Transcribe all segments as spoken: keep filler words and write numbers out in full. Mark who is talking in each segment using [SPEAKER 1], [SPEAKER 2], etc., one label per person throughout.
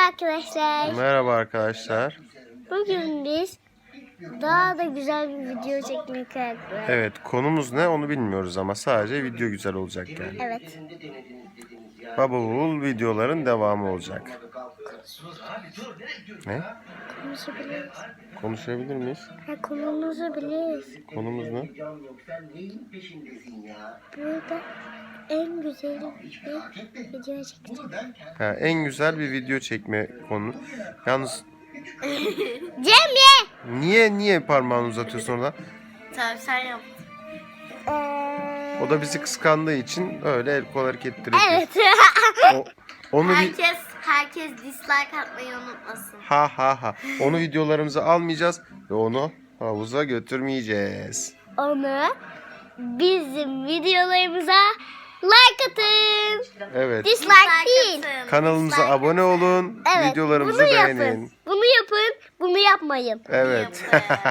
[SPEAKER 1] arkadaşlar.
[SPEAKER 2] Merhaba arkadaşlar.
[SPEAKER 1] Bugün biz daha da güzel bir video çekmeye karar verdik.
[SPEAKER 2] Evet, konumuz ne onu bilmiyoruz ama sadece video güzel olacak yani.
[SPEAKER 1] Evet.
[SPEAKER 2] Baba Oğul videoların devamı olacak. Ne?
[SPEAKER 1] Konuşabiliriz.
[SPEAKER 2] Konuşabilir miyiz?
[SPEAKER 1] Ha, konumuzu biliriz.
[SPEAKER 2] Konumuz ne?
[SPEAKER 1] Burada en güzel bir video çekeceğim.
[SPEAKER 2] Ha, en güzel bir video çekme konu. Yalnız
[SPEAKER 1] Cemre!
[SPEAKER 2] niye niye parmağını uzatıyorsun orada?
[SPEAKER 3] Tamam sen yap.
[SPEAKER 1] Ee,
[SPEAKER 2] O da bizi kıskandığı için öyle el kol hareketleri yapıyor.
[SPEAKER 1] Evet.
[SPEAKER 2] O- onu vi-
[SPEAKER 3] Herkes herkes dislike atmayı unutmasın.
[SPEAKER 2] ha ha ha. Onu videolarımıza almayacağız ve onu havuza götürmeyeceğiz.
[SPEAKER 1] Onu bizim videolarımıza like atın.
[SPEAKER 2] Evet.
[SPEAKER 1] Dislike değil.
[SPEAKER 3] atın.
[SPEAKER 2] Kanalımıza
[SPEAKER 3] Dislike
[SPEAKER 2] abone olun.
[SPEAKER 1] Evet.
[SPEAKER 2] Videolarımızı
[SPEAKER 1] bunu
[SPEAKER 2] beğenin.
[SPEAKER 1] yapın. Bunu yapın. Bunu yapmayın.
[SPEAKER 2] Evet.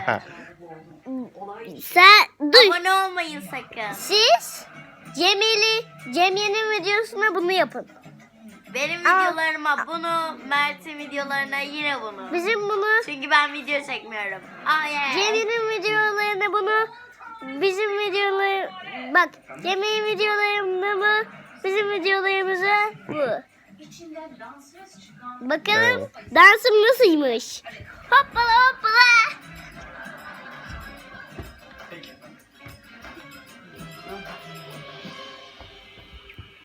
[SPEAKER 1] Sen dur.
[SPEAKER 3] Abone olmayın sakın.
[SPEAKER 1] Siz Cemil'i Cemil'in videosuna bunu yapın.
[SPEAKER 3] Benim
[SPEAKER 1] Aa.
[SPEAKER 3] videolarıma bunu, Mert'in videolarına yine bunu.
[SPEAKER 1] Bizim bunu
[SPEAKER 3] Çünkü ben video çekmiyorum. Aa yeah.
[SPEAKER 1] Cemil'in videolarına bunu bizim videolar bak Cemil'in videolarında mı bizim videolarımıza bu. Bakalım
[SPEAKER 2] Evet.
[SPEAKER 1] dansım nasılmış. Hoppala hoppala.